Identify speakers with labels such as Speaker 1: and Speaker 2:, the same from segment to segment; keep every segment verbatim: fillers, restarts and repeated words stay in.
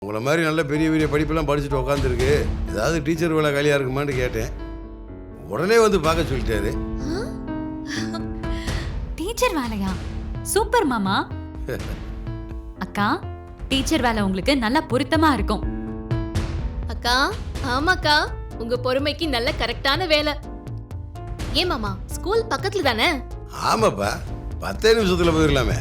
Speaker 1: உங்களை மாதிரி நல்ல பெரிய பெரிய படிப்பெல்லாம் படிச்சுட்டு உட்காந்துருக்கு, ஏதாவது டீச்சர் வேலை காலியாக இருக்குமான்னு கேட்டேன். உடனே வந்து பார்க்க சொல்லிட்டாரு.
Speaker 2: டீச்சர் வேலையா? சூப்பர் மாமா. அக்கா, டீச்சர் வேலை உங்களுக்கு நல்லா பொருத்தமா இருக்கும்.
Speaker 3: அக்கா, ஆமாக்கா, உங்க பொறுமைக்கு நல்ல கரெக்டான வேலை. ஏன் மாமா, ஸ்கூல் பக்கத்துல தானே?
Speaker 1: ஆமாப்பா, பத்தே நிமிஷத்துல போயிடலாமே.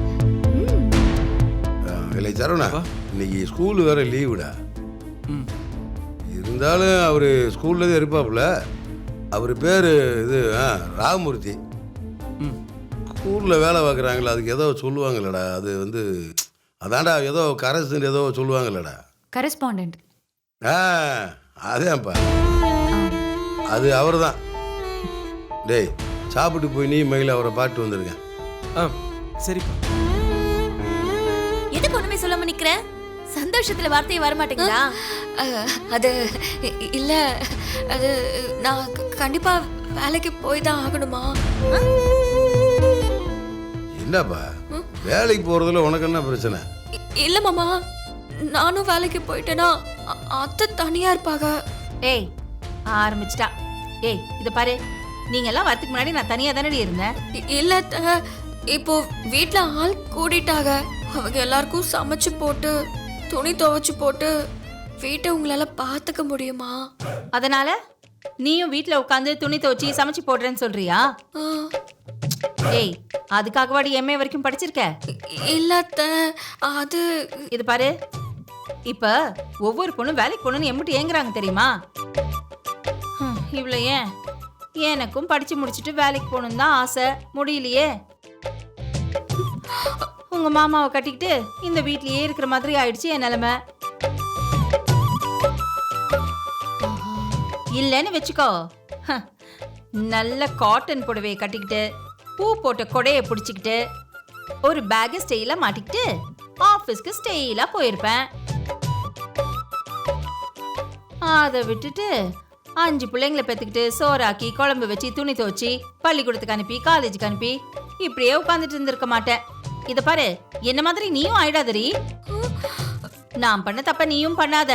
Speaker 1: இல்லை சரவணா, இன்னைக்கு ஸ்கூலு வேற லீவுடா. இருந்தாலும் அவர் ஸ்கூல்ல தான் இருப்பாப்புல. அவர் பேர் இது ராமமூர்த்தி. ஸ்கூலில் வேலை பார்க்குறாங்களா, அதுக்கு ஏதோ சொல்லுவாங்களடா. அது வந்து அதான்டா ஏதோ கரஸ்ன்னு ஏதோ சொல்லுவாங்களடா.
Speaker 2: கரஸ்பாண்டன்ட்.
Speaker 1: ஆ அதேப்பா, அது அவர் தான். டேய், சாப்பிட்டு போய் நீ மயில அவரை பாட்டு வந்துருக்கேன்.
Speaker 4: ஆ சரிப்பா.
Speaker 3: எதுக்கு ஒண்ணுமே சொல்லாம நிக்கிற? சந்தோஷத்துல வார்த்தையே வர மாட்டேங்குதா?
Speaker 5: அது இல்ல, அது நான் கண்டிப்பா வேலைக்கு போய் தான் ஆகணுமா?
Speaker 1: என்னப்பா, வேலைக்கு போறதுல உனக்கு என்ன பிரச்சனை?
Speaker 5: இல்ல மாமா, நானும் வேலைக்கு போயிட்டேனா அத்தை தனியா இருப்பாங்க.
Speaker 6: ஏய், ஆரம்பிச்சிட்டா. ஏய், இத பாரு, நீங்க எல்லாம் வரதுக்கு முன்னாடி நான் தனியா தானே இருந்தேன்.
Speaker 5: இல்ல, இப்போ வீட்ல ஆள் கூடிட்டாங்க. அவங்க எல்லாருக்கும் சமைச்சு போட்டு துணி துவைச்சு போட்டு வீட்டை உங்களால பாத்துக்க முடியுமா?
Speaker 6: அதனால நீயும் வீட்ல உட்காந்து துணி துவைச்சி சமைச்சு போடுறேன்னு சொல்றியா? ஏய், அதுக்காகவாடி எம்ஏ வரைக்கும் படிச்சிருக்க?
Speaker 5: இல்ல, அது
Speaker 6: இது பாரு, இப்ப ஒவ்வொரு பொண்ணும் வேலைக்கு போகணும்னு எம்பிட்டு ஏங்குறாங்க தெரியுமா? இவ்வளவு ஏன், எனக்கும் படிச்சு முடிச்சுட்டு வேலைக்கு போகணும் தான் ஆசை, முடியலையே. உங்க மாமாவை கட்டிக்கிட்டு இந்த வீட்லயே இருக்கிற மாதிரி ஆயிடுச்சு என் நிலைமை. இல்லன்னு வச்சுக்கோ, நல்ல காட்டன் புடவையை கட்டிக்கிட்டு பூ போட்ட கொடையை பிடிச்சிக்கிட்டு ஒரு பேக ஸ்டெயிலா மாட்டிக்கிட்டு ஆபீஸ்க்கு ஸ்டெயிலா போயிருப்பேன். அதை விட்டுட்டு அஞ்சு பிள்ளைங்களை பெற்றுக்கிட்டு சோறாக்கி குழம்பு வச்சு துணி துவச்சி பள்ளிக்கூடத்துக்கு அனுப்பி காலேஜுக்கு அனுப்பி இப்படியே உட்காந்துட்டு இருந்திருக்க மாட்டேன். இத பாரு, என்ன மாதிரி நீயும் ஆயிடாதரி. நான் பண்ண தப்ப நீயும் பண்ணாத.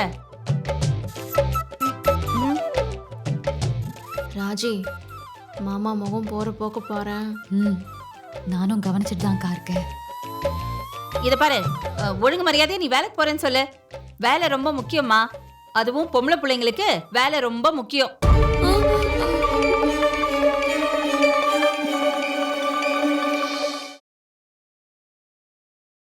Speaker 3: ராஜி, மாமா முகம் போற போக்க போறேன்.
Speaker 2: ம், நானும் கவனிச்சுட்டு தான் இருக்கேன்.
Speaker 6: இத பாரு, ஒழுங்கு மரியாதையா நீ வேலைக்கு போறேன்னு சொல்லு. வேலை ரொம்ப முக்கியமா, அதுவும் பொம்பளை பிள்ளைங்களுக்கு வேலை ரொம்ப முக்கியம்.